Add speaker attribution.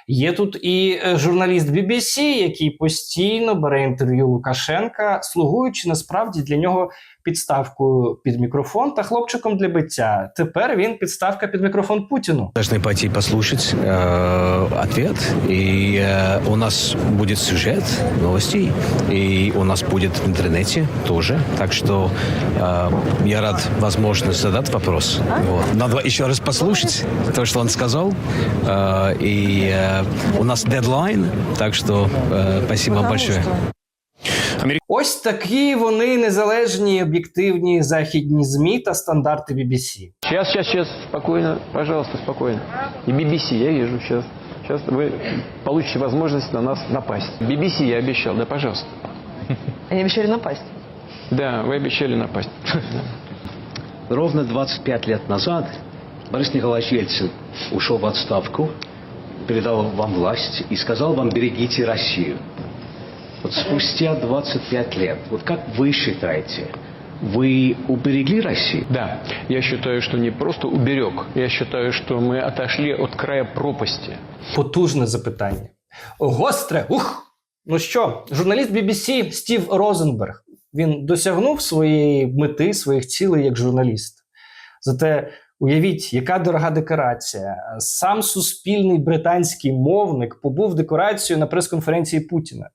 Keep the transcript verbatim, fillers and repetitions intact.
Speaker 1: Є тут і журналіст бі бі сі, який постійно бере інтерв'ю Лукашенка, слугуючи насправді для нього підставкою під мікрофон та хлопчиком для биття. Тепер він підставка під мікрофон Путіну.
Speaker 2: Должны пойти послушать э, ответ, и э, у нас будет сюжет новостей, и у нас будет в интернете тоже. Так что э, я рад возможности задать вопрос. Вот. Надо еще раз послушать то, что он сказал. Э, и э, у нас дедлайн, так что э, спасибо вам большое.
Speaker 1: Ось такі вони незалежні, об'єктивні західні ЗМІ та стандарти бі бі сі.
Speaker 3: Сейчас, сейчас, сейчас, спокойно, пожалуйста, спокойно. И би би си, я вижу, сейчас. Сейчас вы получите возможность на нас напасть. би би си я обещал, да, пожалуйста.
Speaker 4: Они обещали напасть.
Speaker 3: Да, вы обещали напасть.
Speaker 5: Ровно двадцать пять лет назад Борис Николаевич Ельцин ушел в отставку, передал вам власть и сказал вам: берегите Россию. Вот спустя двадцать пять лет, вот как вы считаете, вы уберегли Россию?
Speaker 3: Да, я считаю, что не просто уберег, я считаю, что мы отошли от края пропасти.
Speaker 1: Потужне запитання. Гостре, ух! Ну що, журналіст бі бі сі Стів Розенберг, він досягнув своєї мети, своїх цілей як журналіст. Зате уявіть, яка дорога декорація. Сам суспільний британський мовник побув декорацією на прес-конференції Путіна.